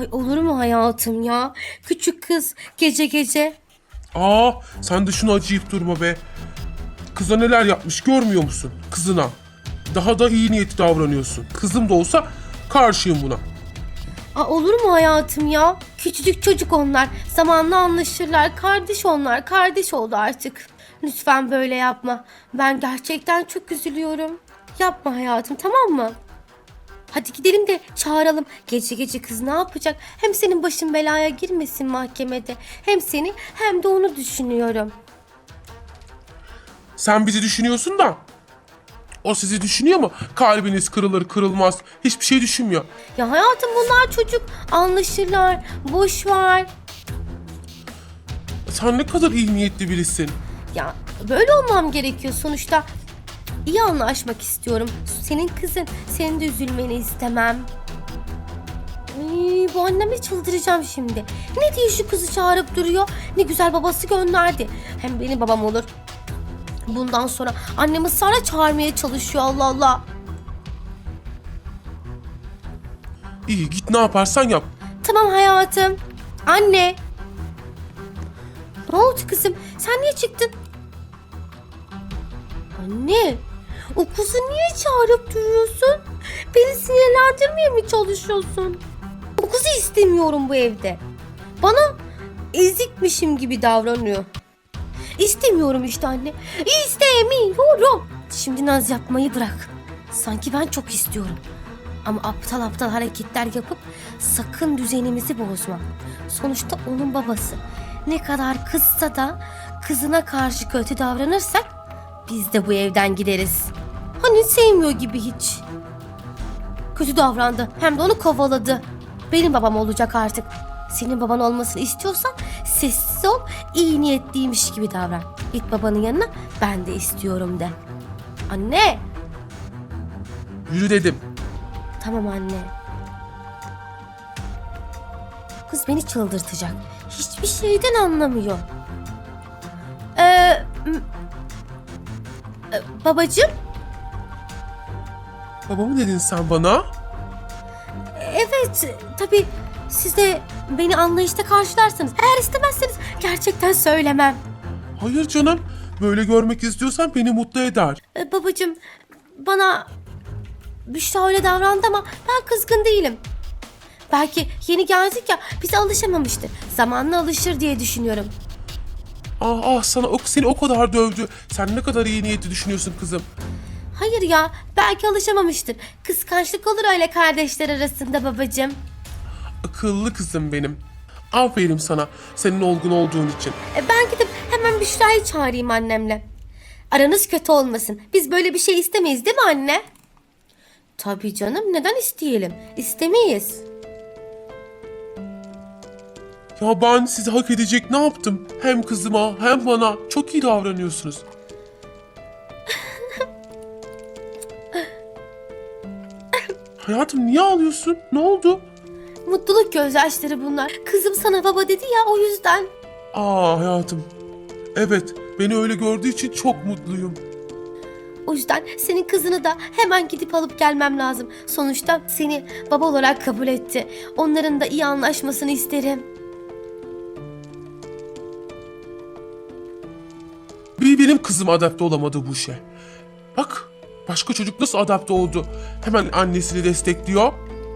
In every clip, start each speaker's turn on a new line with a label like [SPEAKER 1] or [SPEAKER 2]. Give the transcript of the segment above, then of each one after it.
[SPEAKER 1] Ay olur mu hayatım ya? Küçük kız gece gece.
[SPEAKER 2] Sen de şunu acıyıp durma be. Kıza neler yapmış görmüyor musun? Kızına. Daha da iyi niyetli davranıyorsun. Kızım da olsa karşıyım buna.
[SPEAKER 1] Olur mu hayatım ya? Küçücük çocuk onlar. Zamanla anlaşırlar. Kardeş onlar. Kardeş oldu artık. Lütfen böyle yapma. Ben gerçekten çok üzülüyorum. Yapma hayatım, tamam mı? Hadi gidelim de çağıralım. Gece gece kız ne yapacak? Hem senin başın belaya girmesin mahkemede. Hem seni hem de onu düşünüyorum.
[SPEAKER 2] Sen bizi düşünüyorsun da o sizi düşünüyor mu? Kalbiniz kırılır kırılmaz. Hiçbir şey düşünmüyor.
[SPEAKER 1] Ya hayatım, bunlar çocuk, anlaşırlar. Boş ver.
[SPEAKER 2] Sen ne kadar iyi niyetli birisin.
[SPEAKER 1] Ya böyle olmam gerekiyor sonuçta. İyi anlaşmak istiyorum. Senin kızın, senin de üzülmeni istemem. Bu anneme çıldıracağım şimdi. Ne diye şu kızı çağırıp duruyor? Ne güzel babası gönderdi. Hem benim babam olur. Bundan sonra annemi ısrarla çağırmaya çalışıyor, Allah Allah.
[SPEAKER 2] İyi git ne yaparsan yap.
[SPEAKER 1] Tamam hayatım. Anne. Ne oldu kızım? Sen niye çıktın? Anne. O kızı niye çağırıp duruyorsun? Beni sinirlendirmeye mi çalışıyorsun? O kızı istemiyorum bu evde. Bana ezikmişim gibi davranıyor. İstemiyorum işte anne. İstemiyorum. Şimdi naz yapmayı bırak. Sanki ben çok istiyorum. Ama aptal aptal hareketler yapıp sakın düzenimizi bozma. Sonuçta onun babası. Ne kadar kızsa da kızına karşı kötü davranırsak biz de bu evden gideriz. Hani sevmiyor gibi hiç. Kötü davrandı. Hem de onu kovaladı. Benim babam olacak artık. Senin baban olmasını istiyorsan sessiz ol, iyi niyetliymiş gibi davran. Git babanın yanına, ben de istiyorum de. Anne.
[SPEAKER 2] Yürü dedim.
[SPEAKER 1] Tamam anne. Kız beni çıldırtacak. Hiçbir şeyden anlamıyor. Babacığım.
[SPEAKER 2] Baba mı dedin sen bana?
[SPEAKER 1] Evet, tabii siz de beni anlayışla karşılarsınız. Eğer istemezseniz gerçekten söylemem.
[SPEAKER 2] Hayır canım. Böyle görmek istiyorsan beni mutlu eder.
[SPEAKER 1] Babacığım, bana Büşra öyle davrandı ama ben kızgın değilim. Belki yeni geldik ya, bize alışamamıştır. Zamanla alışır diye düşünüyorum.
[SPEAKER 2] Seni o kadar dövdü. Sen ne kadar iyi niyetli düşünüyorsun kızım.
[SPEAKER 1] Hayır ya, belki alışamamıştır. Kıskançlık olur öyle kardeşler arasında babacığım.
[SPEAKER 2] Akıllı kızım benim. Aferin sana senin olgun olduğun için.
[SPEAKER 1] Ben gidip hemen Büşra'yı çağırayım annemle. Aranız kötü olmasın. Biz böyle bir şey istemeyiz değil mi anne? Tabii canım, neden isteyelim? İstemeyiz.
[SPEAKER 2] Ya ben sizi hak edecek ne yaptım? Hem kızıma hem bana çok iyi davranıyorsunuz. Hayatım niye ağlıyorsun? Ne oldu?
[SPEAKER 1] Mutluluk gözyaşları bunlar. Kızım sana baba dedi ya, o yüzden.
[SPEAKER 2] Hayatım. Evet, beni öyle gördüğü için çok mutluyum.
[SPEAKER 1] O yüzden senin kızını da hemen gidip alıp gelmem lazım. Sonuçta seni baba olarak kabul etti. Onların da iyi anlaşmasını isterim.
[SPEAKER 2] Benim kızım adapte olamadı bu işe. Bak, başka çocuk nasıl adapte oldu? Hemen annesini destekliyor.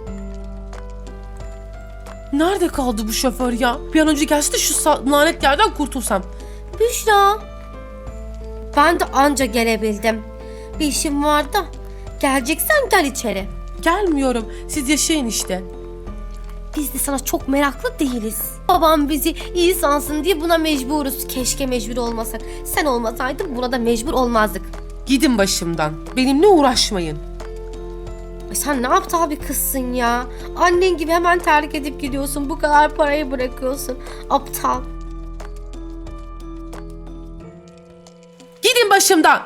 [SPEAKER 3] Nerede kaldı bu şoför ya? Bir an önce gelse de şu lanet yerden kurtulsam.
[SPEAKER 1] Büşra. Ben de anca gelebildim. Bir işim var da. Geleceksen gel içeri.
[SPEAKER 3] Gelmiyorum. Siz yaşayın işte.
[SPEAKER 1] Biz de sana çok meraklı değiliz. Babam bizi iyi sansın diye buna mecburuz. Keşke mecbur olmasak. Sen olmasaydın buna da mecbur olmazdık.
[SPEAKER 3] Gidin başımdan. Benimle uğraşmayın.
[SPEAKER 1] Ay sen ne aptal bir kızsın ya. Annen gibi hemen terk edip gidiyorsun. Bu kadar parayı bırakıyorsun. Aptal.
[SPEAKER 3] Gidin başımdan.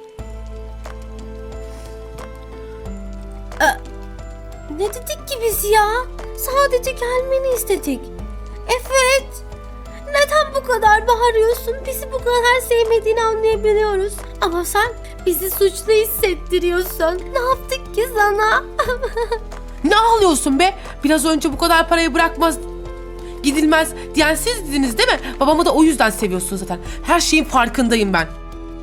[SPEAKER 1] Ne dedik ki biz ya? Sadece gelmeni istedik. Evet. Neden bu kadar bağırıyorsun? Bizi bu kadar sevmediğini anlayabiliyoruz. Ama sen bizi suçlu hissettiriyorsun. Ne yaptık ki sana?
[SPEAKER 3] Ne ağlıyorsun be? Biraz önce bu kadar parayı bırakmaz, gidilmez diyen siz dediniz değil mi? Babamı da o yüzden seviyorsun zaten. Her şeyin farkındayım ben.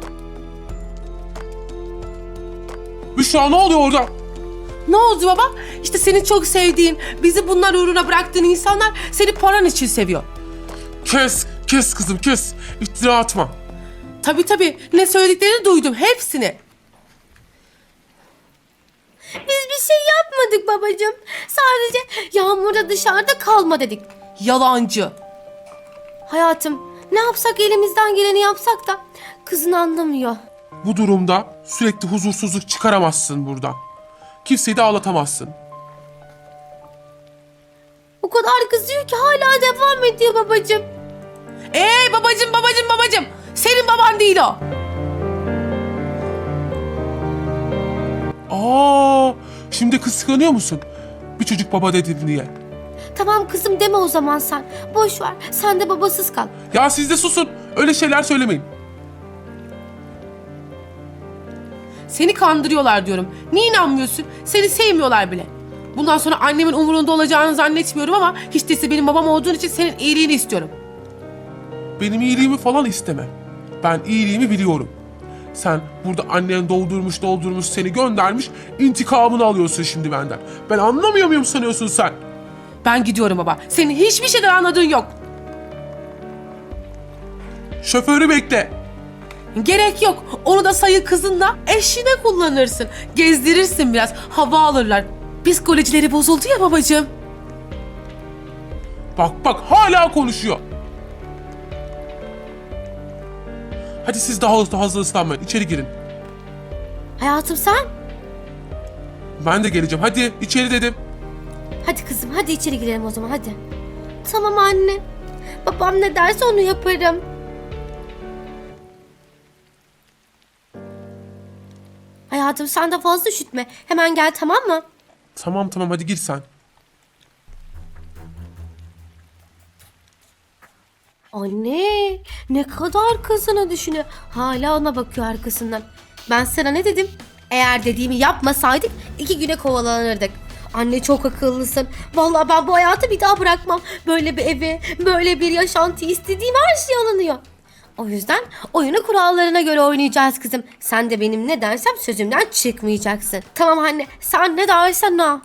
[SPEAKER 2] Büşra ne oluyor orada?
[SPEAKER 3] Ne oldu baba? İşte seni çok sevdiğin, bizi bunlar uğruna bıraktığın insanlar seni paran için seviyor.
[SPEAKER 2] Kes kızım kes. İftira atma.
[SPEAKER 3] Tabii ne söylediklerini duydum hepsini.
[SPEAKER 1] Biz bir şey yapmadık babacığım. Sadece Yağmur'da dışarıda kalma dedik.
[SPEAKER 3] Yalancı.
[SPEAKER 1] Hayatım, ne yapsak elimizden geleni yapsak da kızın anlamıyor.
[SPEAKER 2] Bu durumda sürekli huzursuzluk çıkaramazsın burada. Kimseyi de ağlatamazsın.
[SPEAKER 1] O kadar kızıyor ki hala devam ediyor babacığım.
[SPEAKER 3] Babacım. Senin baban değil o.
[SPEAKER 2] Şimdi kıskanıyor musun? Bir çocuk baba dedim diye.
[SPEAKER 1] Tamam kızım deme o zaman sen. Boş ver, sen de babasız kal.
[SPEAKER 2] Ya siz de susun. Öyle şeyler söylemeyin.
[SPEAKER 3] Seni kandırıyorlar diyorum. Niye inanmıyorsun? Seni sevmiyorlar bile. Bundan sonra annemin umurunda olacağını zannetmiyorum ama hiç değilse benim babam olduğun için senin iyiliğini istiyorum.
[SPEAKER 2] Benim iyiliğimi falan isteme. Ben iyiliğimi biliyorum. Sen burada annen doldurmuş seni göndermiş, intikamını alıyorsun şimdi benden. Ben anlamıyor muyum sanıyorsun sen?
[SPEAKER 3] Ben gidiyorum baba. Senin hiçbir şeyden anladığın yok.
[SPEAKER 2] Şoförü bekle.
[SPEAKER 3] Gerek yok. Onu da sayı kızınla eşine kullanırsın. Gezdirirsin biraz. Hava alırlar. Psikolojileri bozuldu ya babacığım.
[SPEAKER 2] Bak hala konuşuyor. Hadi siz daha hızlı ıslanmayın. İçeri girin.
[SPEAKER 1] Hayatım sen?
[SPEAKER 2] Ben de geleceğim. Hadi içeri dedim.
[SPEAKER 1] Hadi kızım, hadi içeri girelim o zaman, hadi. Tamam anne. Babam ne derse onu yaparım. Hayatım sen de fazla üşütme. Hemen gel, tamam mı?
[SPEAKER 2] Tamam hadi gir sen.
[SPEAKER 1] Anne, ne kadar kızına düşünüyor. Hala ona bakıyor arkasından. Ben sana ne dedim? Eğer dediğimi yapmasaydık 2 güne kovalanırdık. Anne çok akıllısın. Vallahi ben bu hayatı bir daha bırakmam. Böyle bir evi, böyle bir yaşantı istediğim her şey alınıyor. O yüzden oyunu kurallarına göre oynayacağız kızım. Sen de benim ne dersem sözümden çıkmayacaksın. Tamam anne, sen ne dersen o.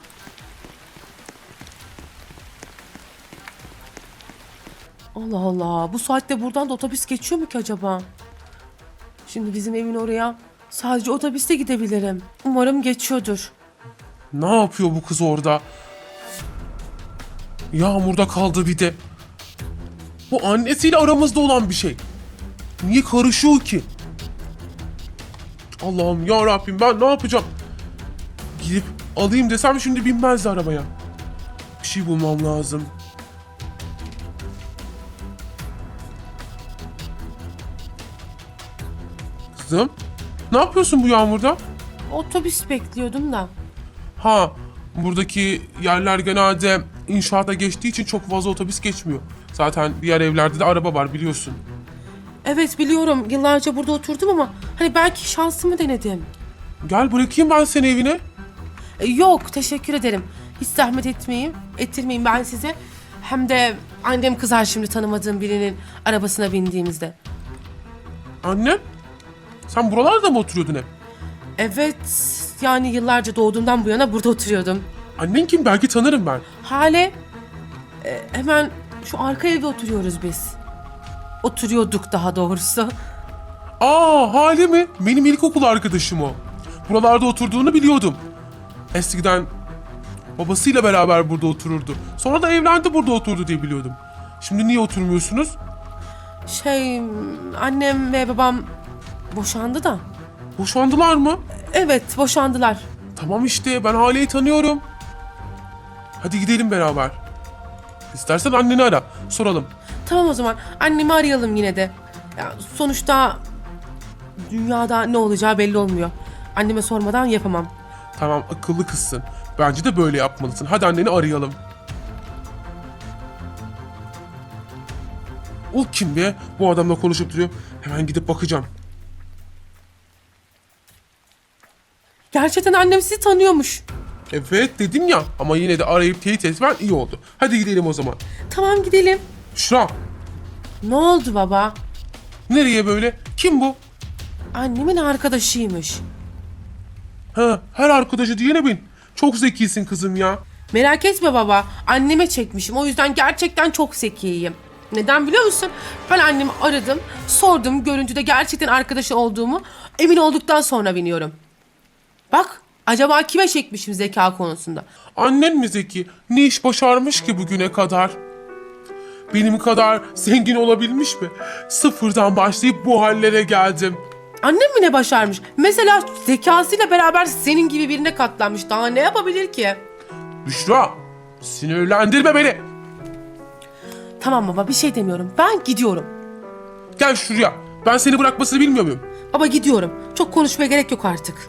[SPEAKER 3] Allah Allah. Bu saatte buradan da otobüs geçiyor mu ki acaba? Şimdi bizim evin oraya sadece otobüste gidebilirim. Umarım geçiyordur.
[SPEAKER 2] Ne yapıyor bu kız orada? Yağmurda kaldı bir de. Bu annesiyle aramızda olan bir şey. Niye karışıyor ki? Allah'ım ya Rabbim ben ne yapacağım? Gidip alayım desem şimdi binmezdi arabaya. Bir şey bulmam lazım. Kızım, ne yapıyorsun bu yağmurda?
[SPEAKER 3] Otobüs bekliyordum da.
[SPEAKER 2] Buradaki yerler genelde inşaata geçtiği için çok fazla otobüs geçmiyor. Zaten diğer evlerde de araba var biliyorsun.
[SPEAKER 3] Evet biliyorum. Yıllarca burada oturdum ama hani belki şansımı denedim.
[SPEAKER 2] Gel bırakayım ben seni evine.
[SPEAKER 3] Yok teşekkür ederim. Hiç zahmet ettirmeyeyim ben size. Hem de annem kızar şimdi tanımadığım birinin arabasına bindiğimizde.
[SPEAKER 2] Anne, sen buralarda mı oturuyordun hep?
[SPEAKER 3] Evet yani yıllarca doğduğumdan bu yana burada oturuyordum.
[SPEAKER 2] Annen kim? Belki tanırım ben.
[SPEAKER 3] Hale hemen şu arka evde oturuyoruz biz. Oturuyorduk daha doğrusu.
[SPEAKER 2] Hale mi? Benim ilkokul arkadaşım o. Buralarda oturduğunu biliyordum. Eskiden babasıyla beraber burada otururdu. Sonra da evlendi burada oturdu diye biliyordum. Şimdi niye oturmuyorsunuz?
[SPEAKER 3] Annem ve babam boşandı da.
[SPEAKER 2] Boşandılar mı?
[SPEAKER 3] Evet boşandılar.
[SPEAKER 2] Tamam işte ben Hale'yi tanıyorum. Hadi gidelim beraber. İstersen anneni ara, soralım.
[SPEAKER 3] Tamam o zaman annemi arayalım yine de. Ya, sonuçta dünyada ne olacağı belli olmuyor. Anneme sormadan yapamam.
[SPEAKER 2] Tamam akıllı kızsın. Bence de böyle yapmalısın. Hadi anneni arayalım. O kim be? Bu adamla konuşup duruyor. Hemen gidip bakacağım.
[SPEAKER 3] Gerçekten annem sizi tanıyormuş.
[SPEAKER 2] Evet dedim ya ama yine de arayıp teyit etmen iyi oldu. Hadi gidelim o zaman.
[SPEAKER 3] Tamam gidelim.
[SPEAKER 2] Büşra,
[SPEAKER 3] Ne oldu baba?
[SPEAKER 2] nereye böyle? Kim bu?
[SPEAKER 3] Annemin arkadaşıymış.
[SPEAKER 2] Ha, her arkadaşı diyene bin. Çok zekisin kızım ya.
[SPEAKER 3] Merak etme baba. Anneme çekmişim. O yüzden gerçekten çok zekiyim. Neden biliyor musun? Ben annemi aradım, sordum. Görüntüde gerçekten arkadaşı olduğumu emin olduktan sonra biniyorum. Bak, acaba kime çekmişim zeka konusunda?
[SPEAKER 2] Annen mi zeki? Ne iş başarmış ki bugüne kadar? Benim kadar zengin olabilmiş mi? Sıfırdan başlayıp bu hallere geldim.
[SPEAKER 3] Annem mi ne başarmış? Mesela zekasıyla beraber senin gibi birine katlanmış. Daha ne yapabilir ki?
[SPEAKER 2] Büşra, sinirlendirme beni.
[SPEAKER 3] Tamam baba, bir şey demiyorum. Ben gidiyorum.
[SPEAKER 2] Gel şuraya. Ben seni bırakmasını bilmiyor muyum?
[SPEAKER 3] Baba gidiyorum. Çok konuşmaya gerek yok artık.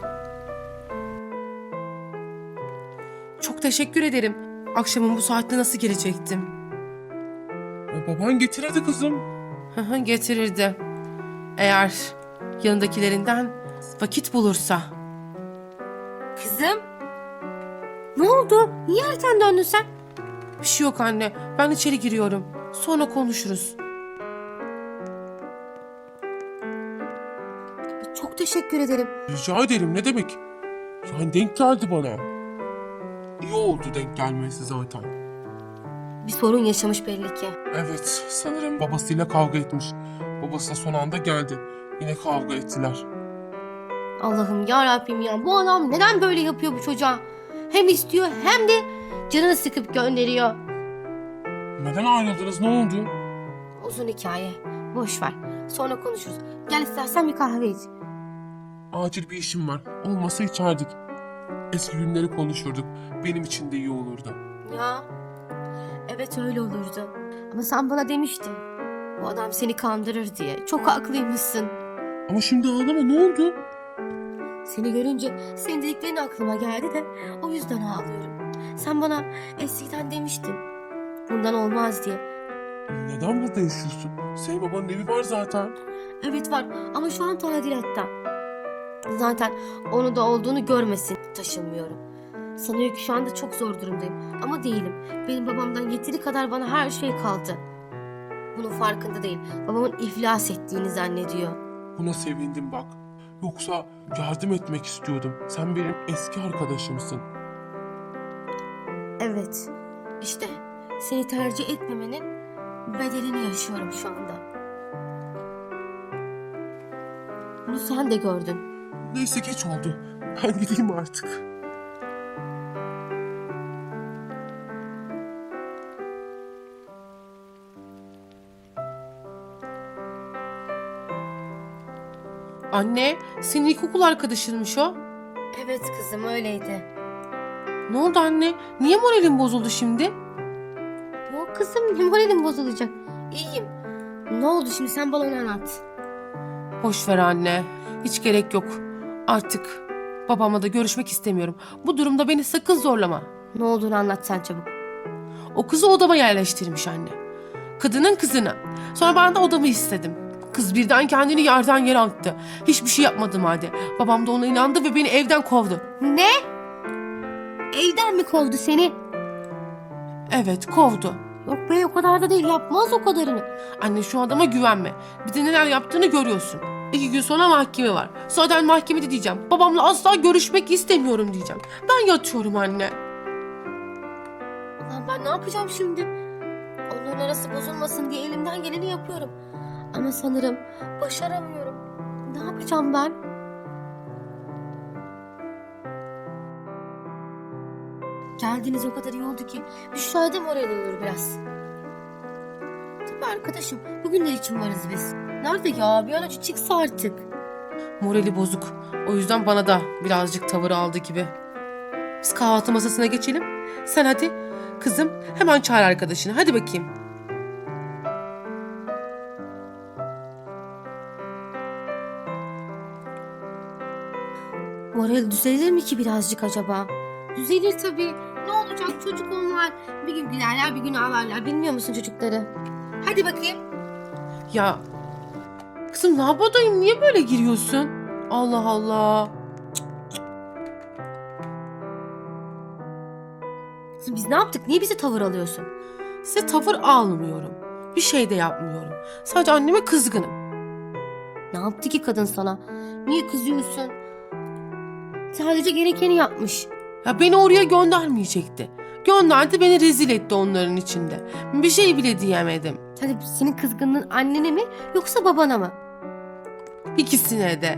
[SPEAKER 3] Çok teşekkür ederim. Akşamın bu saatte nasıl gelecektim?
[SPEAKER 2] Baban getirirdi kızım.
[SPEAKER 3] Hı hı, getirirdi. Eğer yanındakilerinden vakit bulursa.
[SPEAKER 1] Kızım. Ne oldu? Niye erken döndün sen?
[SPEAKER 3] Bir şey yok anne. Ben içeri giriyorum. Sonra konuşuruz.
[SPEAKER 1] Çok teşekkür ederim.
[SPEAKER 2] Rica ederim ne demek? Yani denk geldi bana. İyi oldu denk gelmesi zaten.
[SPEAKER 1] Bir sorun yaşamış belli ki.
[SPEAKER 2] Evet sanırım babasıyla kavga etmiş. Babası da son anda geldi. Yine kavga ettiler.
[SPEAKER 1] Allah'ım ya Rabbim ya. Bu adam neden böyle yapıyor bu çocuğa? Hem istiyor hem de canını sıkıp gönderiyor.
[SPEAKER 2] Neden ayrıldınız ne oldu?
[SPEAKER 1] Uzun hikaye. Boş ver. Sonra konuşuruz. Gel istersen bir kahve iç.
[SPEAKER 2] Acil bir işim var. Olmasa içerdik. Eski günleri konuşurduk. Benim için de iyi olurdu.
[SPEAKER 1] Ya. Evet öyle olurdu. Ama sen bana demiştin. Bu adam seni kandırır diye. Çok haklıymışsın.
[SPEAKER 2] Ama şimdi ağlama ne oldu?
[SPEAKER 1] Seni görünce senin dediklerin aklıma geldi de o yüzden ağlıyorum. Sen bana eskiden demiştin. Bundan olmaz diye.
[SPEAKER 2] Neden burada yaşıyorsun? Senin babanın evi var zaten.
[SPEAKER 1] Evet var ama şu an tadilatta. Zaten onu da olduğunu görmesin taşınmıyorum. Sanıyor ki şu anda çok zor durumdayım ama değilim. Benim babamdan yeteri kadar bana her şey kaldı. Bunun farkında değil. Babamın iflas ettiğini zannediyor.
[SPEAKER 2] Buna sevindim bak. Yoksa yardım etmek istiyordum. Sen benim eski arkadaşımsın.
[SPEAKER 1] Evet. İşte seni tercih etmemenin bedelini yaşıyorum şu anda. Bunu sen de gördün.
[SPEAKER 2] Neyse geç oldu. Ben gideyim artık.
[SPEAKER 3] Anne, senin ilkokul arkadaşınmış o.
[SPEAKER 1] Evet kızım öyleydi.
[SPEAKER 3] Ne oldu anne? Niye moralin bozuldu şimdi?
[SPEAKER 1] Yok kızım ne moralim bozulacak. İyiyim. Ne oldu şimdi sen bana onu anlat.
[SPEAKER 3] Boş ver anne. Hiç gerek yok. Artık babamla da görüşmek istemiyorum. Bu durumda beni sakın zorlama.
[SPEAKER 1] Ne olduğunu anlat sen çabuk.
[SPEAKER 3] O kızı odama yerleştirmiş anne. Kadının kızını. Sonra ben de odamı istedim. Kız birden kendini yerden yere attı. Hiçbir şey yapmadım halde. Babam da ona inandı ve beni evden kovdu.
[SPEAKER 1] Ne? Evden mi kovdu seni?
[SPEAKER 3] Evet, kovdu.
[SPEAKER 1] Yok be o kadar da değil yapmaz o kadarını.
[SPEAKER 3] Anne şu adama güvenme. Bir de neler yaptığını görüyorsun. 2 gün sonra mahkeme var. Zaten mahkemede diyeceğim. Babamla asla görüşmek istemiyorum diyeceğim. Ben yatıyorum anne.
[SPEAKER 1] Lan ben ne yapacağım şimdi? Onların arası bozulmasın diye elimden geleni yapıyorum. Ama sanırım başaramıyorum. Ne yapacağım ben? Geldiniz o kadar iyi oldu ki Büşra'ya da moral olur biraz. Tabii arkadaşım bugünler için varız biz. Nerede ya bir an önce çıksa artık.
[SPEAKER 3] Morali bozuk. O yüzden bana da birazcık tavır aldı gibi. Biz kahvaltı masasına geçelim. Sen hadi kızım hemen çağır arkadaşını. Hadi bakayım.
[SPEAKER 1] Moral düzelir mi ki birazcık acaba? Düzelir tabii. Ne olacak çocuk onlar. Bir gün gülerler bir gün ağlarlar. Bilmiyor musun çocukları? Hadi bakayım.
[SPEAKER 3] Ya kızım lavabodayım. Niye böyle giriyorsun? Allah Allah.
[SPEAKER 1] Kızım biz ne yaptık? Niye bize tavır alıyorsun?
[SPEAKER 3] Size tavır almıyorum. Bir şey de yapmıyorum. Sadece anneme kızgınım.
[SPEAKER 1] Ne yaptı ki kadın sana? Niye kızıyorsun? Sadece gerekeni yapmış.
[SPEAKER 3] Ya beni oraya göndermeyecekti. Gönderdi, beni rezil etti onların içinde. Bir şey bile diyemedim.
[SPEAKER 1] Hadi senin kızgınlığın annene mi yoksa babana mı?
[SPEAKER 3] İkisine de.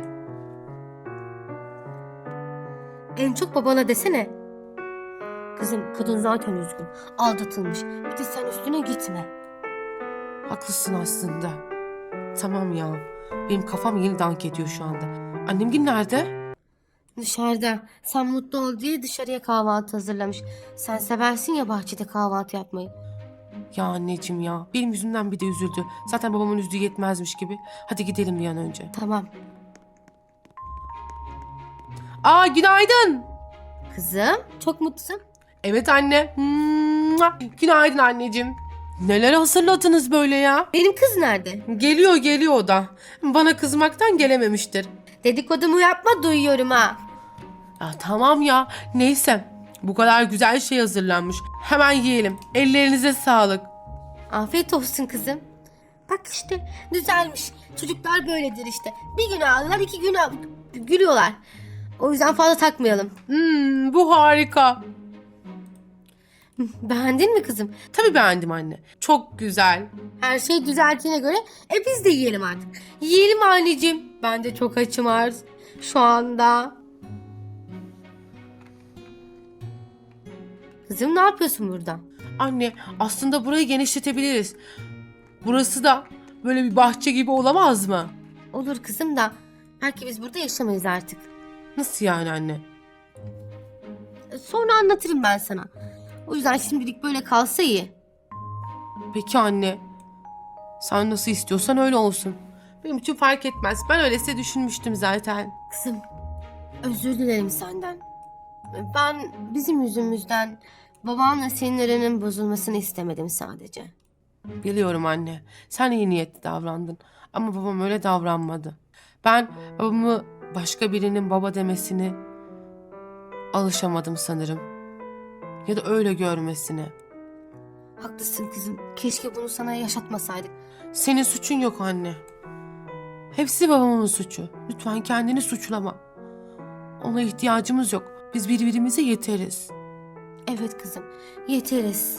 [SPEAKER 1] En çok babana desene. Kızım kadın zaten üzgün. Aldatılmış. Bir de sen üstüne gitme.
[SPEAKER 3] Haklısın aslında. Tamam ya. Benim kafam yeni dank ediyor şu anda. Annemgil nerede?
[SPEAKER 1] Dışarıda. Sen mutlu ol diye dışarıya kahvaltı hazırlamış. Sen seversin ya bahçede kahvaltı yapmayı.
[SPEAKER 3] Ya anneciğim ya. Benim yüzümden bir de üzüldü. Zaten babamın üzdüğü yetmezmiş gibi. Hadi gidelim bir an önce.
[SPEAKER 1] Tamam.
[SPEAKER 3] Aa, günaydın.
[SPEAKER 1] Kızım çok mutlusun.
[SPEAKER 3] Evet anne. Günaydın anneciğim. Neler hazırladınız böyle ya?
[SPEAKER 1] Benim kız nerede?
[SPEAKER 3] Geliyor o da. Bana kızmaktan gelememiştir.
[SPEAKER 1] Dedikodumu yapma duyuyorum ha.
[SPEAKER 3] Ya tamam ya. Neyse. Bu kadar güzel şey hazırlanmış. Hemen yiyelim. Ellerinize sağlık.
[SPEAKER 1] Afiyet olsun kızım. Bak işte düzelmiş. Çocuklar böyledir işte. Bir gün ağlarlar 2 gün gülüyorlar. O yüzden fazla takmayalım.
[SPEAKER 3] Bu harika.
[SPEAKER 1] Beğendin mi kızım?
[SPEAKER 3] Tabii beğendim anne. Çok güzel.
[SPEAKER 1] Her şey düzeldiğine göre biz de yiyelim artık. Yiyelim anneciğim. Ben de çok açım artık şu anda. Kızım ne yapıyorsun burada?
[SPEAKER 3] Anne, aslında burayı genişletebiliriz. Burası da böyle bir bahçe gibi olamaz mı?
[SPEAKER 1] Olur kızım da belki biz burada yaşamayız artık.
[SPEAKER 3] Nasıl yani anne?
[SPEAKER 1] Sonra anlatırım ben sana. O yüzden şimdilik böyle kalsa iyi.
[SPEAKER 3] Peki anne. Sen nasıl istiyorsan öyle olsun. Benim için fark etmez. Ben öylese düşünmüştüm zaten.
[SPEAKER 1] Kızım özür dilerim senden. Ben bizim yüzümüzden babanla senin aranın bozulmasını istemedim sadece.
[SPEAKER 3] Biliyorum anne. Sen iyi niyetli davrandın. Ama babam öyle davranmadı. Ben babamı başka birinin baba demesini alışamadım sanırım. Ya da öyle görmesine.
[SPEAKER 1] Haklısın kızım. Keşke bunu sana yaşatmasaydık.
[SPEAKER 3] Senin suçun yok anne. Hepsi babamın suçu. Lütfen kendini suçlama. Ona ihtiyacımız yok. Biz birbirimize yeteriz.
[SPEAKER 1] Evet kızım. Yeteriz.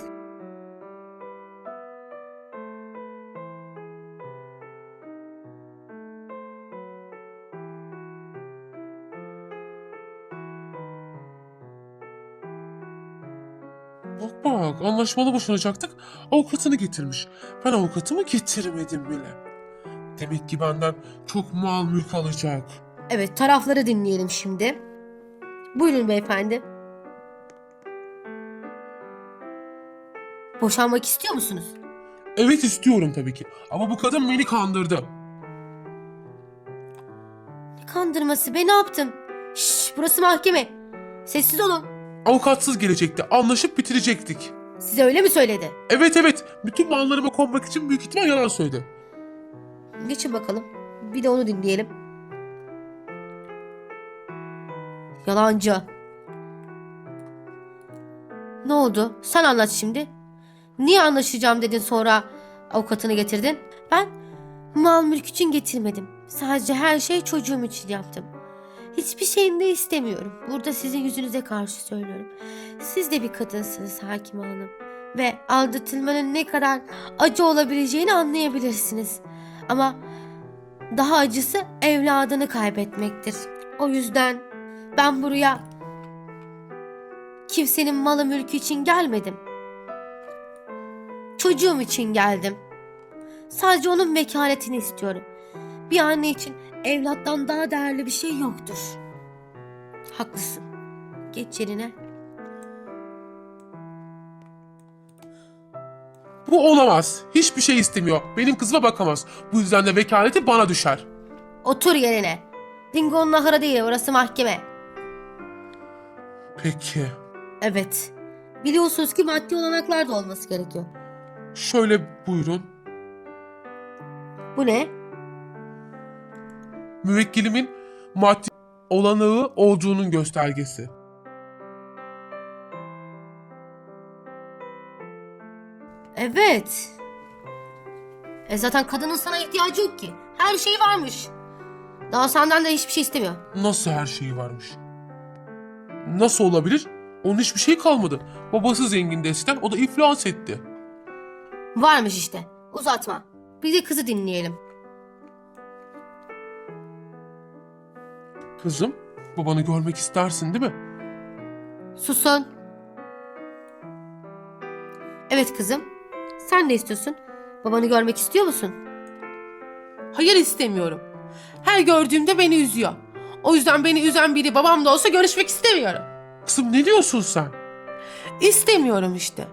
[SPEAKER 2] Bak anlaşmalı boşanacaktık. Avukatını getirmiş. Ben avukatımı getirmedim bile. Demek ki benden çok mal mülk alacak.
[SPEAKER 1] Evet tarafları dinleyelim şimdi. Buyurun beyefendi. Boşanmak istiyor musunuz?
[SPEAKER 2] Evet istiyorum tabii ki. Ama bu kadın beni kandırdı.
[SPEAKER 1] Ne kandırması be ne yaptın? Şşş burası mahkeme. Sessiz olun.
[SPEAKER 2] Avukatsız gelecekti. Anlaşıp bitirecektik.
[SPEAKER 1] Size öyle mi söyledi?
[SPEAKER 2] Evet. Bütün mallarıma konmak için büyük ihtimal yalan söyledi.
[SPEAKER 1] Geçin bakalım. Bir de onu dinleyelim. Yalancı. Ne oldu? Sen anlat şimdi. Niye anlaşacağım dedin sonra avukatını getirdin? Ben mal mülk için getirmedim. Sadece her şey çocuğum için yaptım. Hiçbir şeyini de istemiyorum. Burada sizin yüzünüze karşı söylüyorum. Siz de bir kadınsınız Hakime Hanım. Ve aldatılmanın ne kadar acı olabileceğini anlayabilirsiniz. Ama daha acısı evladını kaybetmektir. O yüzden ben buraya kimsenin malı mülkü için gelmedim. Çocuğum için geldim. Sadece onun vekaletini istiyorum. Bir anne için evlattan daha değerli bir şey yoktur. Haklısın. Geç yerine.
[SPEAKER 2] Bu olamaz. Hiçbir şey istemiyor. Benim kızıma bakamaz. Bu yüzden de vekaleti bana düşer.
[SPEAKER 1] Otur yerine. Dingo'nun ahırı değil, orası mahkeme.
[SPEAKER 2] Peki.
[SPEAKER 1] Evet. Biliyorsunuz ki maddi olanaklar da olması gerekiyor.
[SPEAKER 2] Şöyle buyurun.
[SPEAKER 1] Bu ne?
[SPEAKER 2] Müvekkilimin maddi olanağı olduğunun göstergesi.
[SPEAKER 1] Evet. Zaten kadının sana ihtiyacı yok ki. Her şeyi varmış. Daha senden de hiçbir şey istemiyor.
[SPEAKER 2] Nasıl her şeyi varmış? Nasıl olabilir? Onun hiçbir şey kalmadı. Babası zengindi eskiden, o da iflas etti.
[SPEAKER 1] Varmış işte. Uzatma. Bir de kızı dinleyelim.
[SPEAKER 2] Kızım, babanı görmek istersin değil mi?
[SPEAKER 1] Susun. Evet kızım. Sen ne istiyorsun? Babanı görmek istiyor musun?
[SPEAKER 3] Hayır, istemiyorum. Her gördüğümde beni üzüyor. O yüzden beni üzen biri babam da olsa görüşmek istemiyorum.
[SPEAKER 2] Kızım ne diyorsun sen?
[SPEAKER 3] İstemiyorum işte.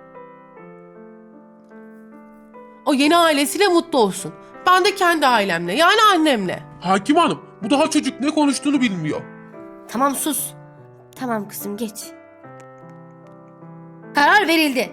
[SPEAKER 3] O yeni ailesiyle mutlu olsun. Ben de kendi ailemle, yani annemle.
[SPEAKER 2] Hakim Hanım, bu daha çocuk, ne konuştuğunu bilmiyor.
[SPEAKER 1] Tamam sus. Tamam kızım geç. Karar verildi.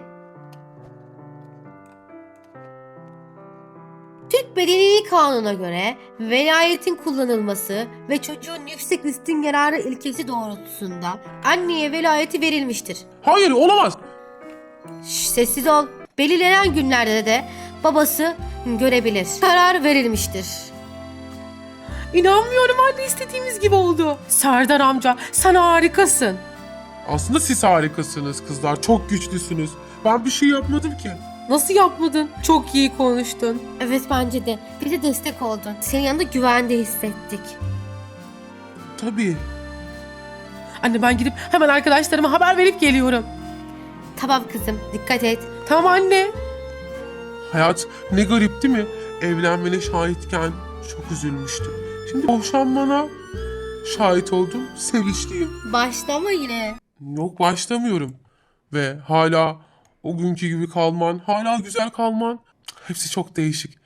[SPEAKER 1] Türk Medeni Kanunu'na göre velayetin kullanılması ve çocuğun yüksek üstün yararı ilkesi doğrultusunda anneye velayeti verilmiştir.
[SPEAKER 2] Hayır, olamaz.
[SPEAKER 1] Sessiz ol. Belirlenen günlerde de babası görebilir. Karar verilmiştir.
[SPEAKER 3] İnanmıyorum, anne, istediğimiz gibi oldu. Serdar amca, sen harikasın.
[SPEAKER 2] Aslında siz harikasınız kızlar, çok güçlüsünüz. Ben bir şey yapmadım ki.
[SPEAKER 3] Nasıl yapmadın? Çok iyi konuştun.
[SPEAKER 1] Evet bence de. Bize destek oldun. Senin yanında güvende hissettik.
[SPEAKER 2] Tabii.
[SPEAKER 3] Anne, ben gidip hemen arkadaşlarıma haber verip geliyorum.
[SPEAKER 1] Tamam kızım dikkat et.
[SPEAKER 3] Tamam anne.
[SPEAKER 2] Hayat ne garip değil mi? Evlenmene şahitken çok üzülmüştüm. Şimdi boşanmana şahit oldum, sevinçliyim.
[SPEAKER 1] Başlama yine.
[SPEAKER 2] Yok, başlamıyorum. Ve hala o günkü gibi kalman, hala güzel kalman, hepsi çok değişik.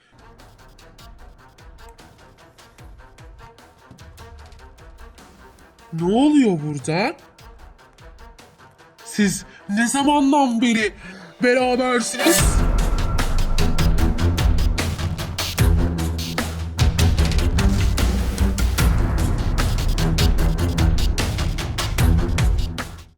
[SPEAKER 2] Ne oluyor burada? Siz ne zamandan beri berabersiniz?